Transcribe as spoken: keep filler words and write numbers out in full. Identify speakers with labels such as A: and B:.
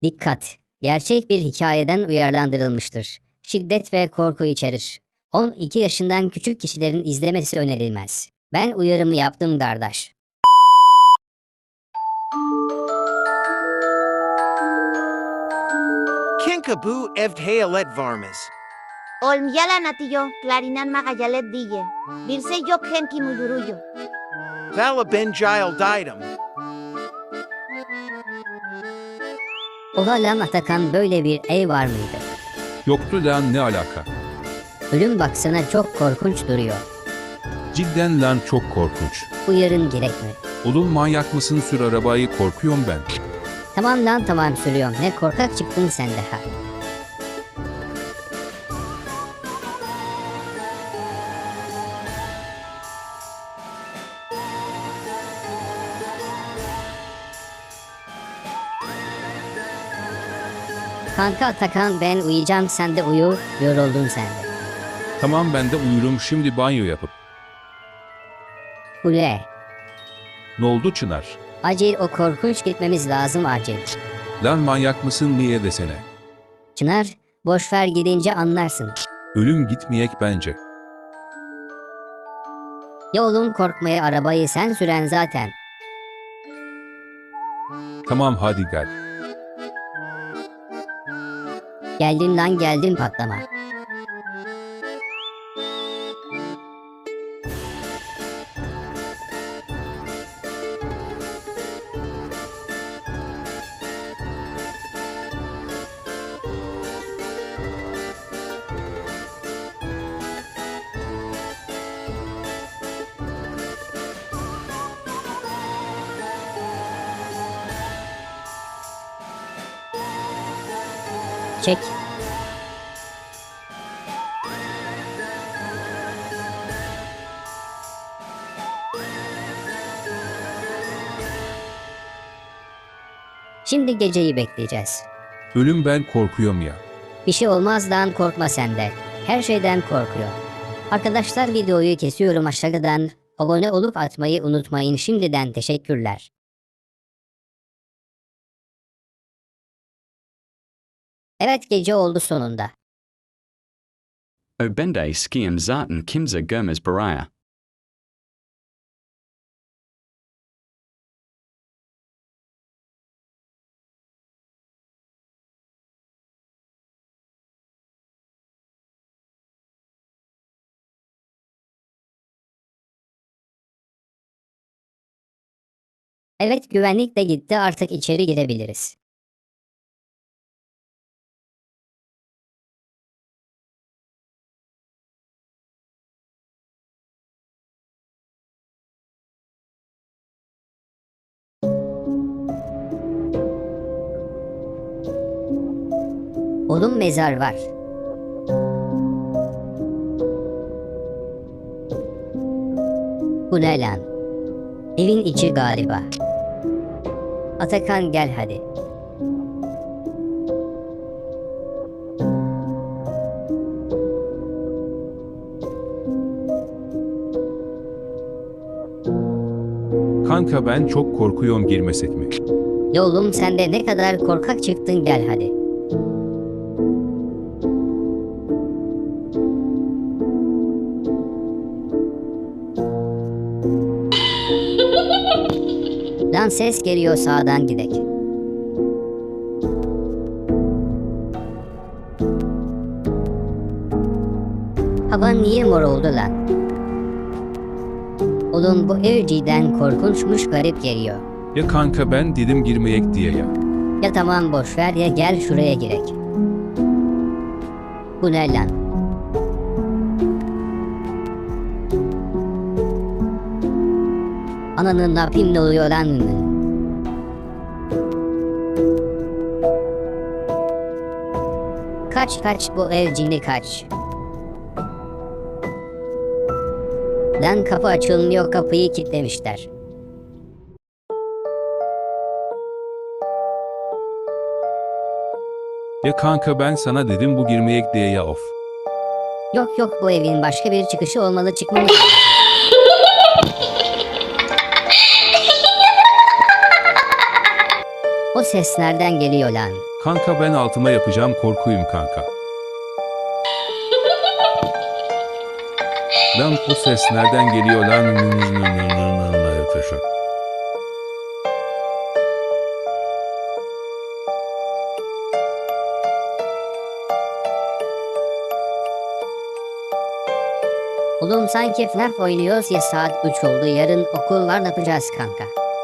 A: Dikkat! Gerçek bir hikayeden uyarlandırılmıştır. Şiddet ve korku içerir. on iki yaşından küçük kişilerin izlemesi önerilmez. Ben uyarımı yaptım kardeş.
B: Kinkaboo evthayalet varmas.
C: Olmyalan atiyo, clarinan magayalet dille. Birse yok henki muyuruyo.
B: Vala benjail didem.
A: Oha lan Atakan, böyle bir ev var mıydı?
D: Yoktu lan, ne alaka?
A: Ölüm baksana çok korkunç duruyor.
D: Cidden lan, çok korkunç.
A: Uyarın gerek mi?
D: Oğlum manyak mısın, sür arabayı, korkuyorum ben.
A: Tamam lan tamam sürüyorum. Ne korkak çıktın sen de ha. Kanka Atakan, ben uyuyacağım, sen de uyu, yoruldun sen de.
D: Tamam, ben de uyurum şimdi banyo yapıp.
A: Ule,
D: Ne oldu Çınar?
A: acil o korkunç gitmemiz lazım acil.
D: Lan manyak mısın, niye desene.
A: Çınar, boşver, gidince anlarsın.
D: Ölüm gitmeyek bence.
A: Ya oğlum, korkmaya, arabayı sen süren zaten.
D: Tamam hadi gel.
A: Geldin lan geldin, patlama. Çek. Şimdi geceyi bekleyeceğiz.
D: Ölüm, ben korkuyorum ya.
A: Bir şey olmaz lan, korkma sen de. Her şeyden korkuyor. Arkadaşlar, videoyu kesiyorum aşağıdan. Abone olup atmayı unutmayın, şimdiden teşekkürler. Evet, gece oldu sonunda.
E: Obende skiam zaten kimza Gomez Baraya.
A: Evet, güvenlik de gitti, artık içeri girebiliriz. Oğlum, mezar var. Bu ne lan? Evin içi galiba. Atakan gel hadi.
D: Kanka ben çok korkuyorum, girmesek mi?
A: Ya oğlum, sen de ne kadar korkak çıktın, gel hadi. Lan ses geliyor, sağdan gidek. Hava niye mor oldu lan? Oğlum, bu ev cidden korkunçmuş, garip geliyor.
D: Ya kanka, ben dedim girmeyek diye ya.
A: Ya tamam boşver, ya gel şuraya girek. Bu ne lan? Ananın, ne yapayım, ne oluyor lan? Kaç kaç, bu ev cini kaç. Lan kapı açılmıyor, kapıyı kilitlemişler.
D: Ya kanka, ben sana dedim bu girmeyek diye ya, of.
A: Yok yok, bu evin başka bir çıkışı olmalı, çıkmamız lazım. O ses nereden geliyor lan?
D: Kanka ben altıma yapacağım korkuyum kanka. Lan bu ses nereden geliyor lan?
A: Oğlum sanki F N A F oynuyoruz ya, saat üç oldu, yarın okul var, ne yapacağız kanka?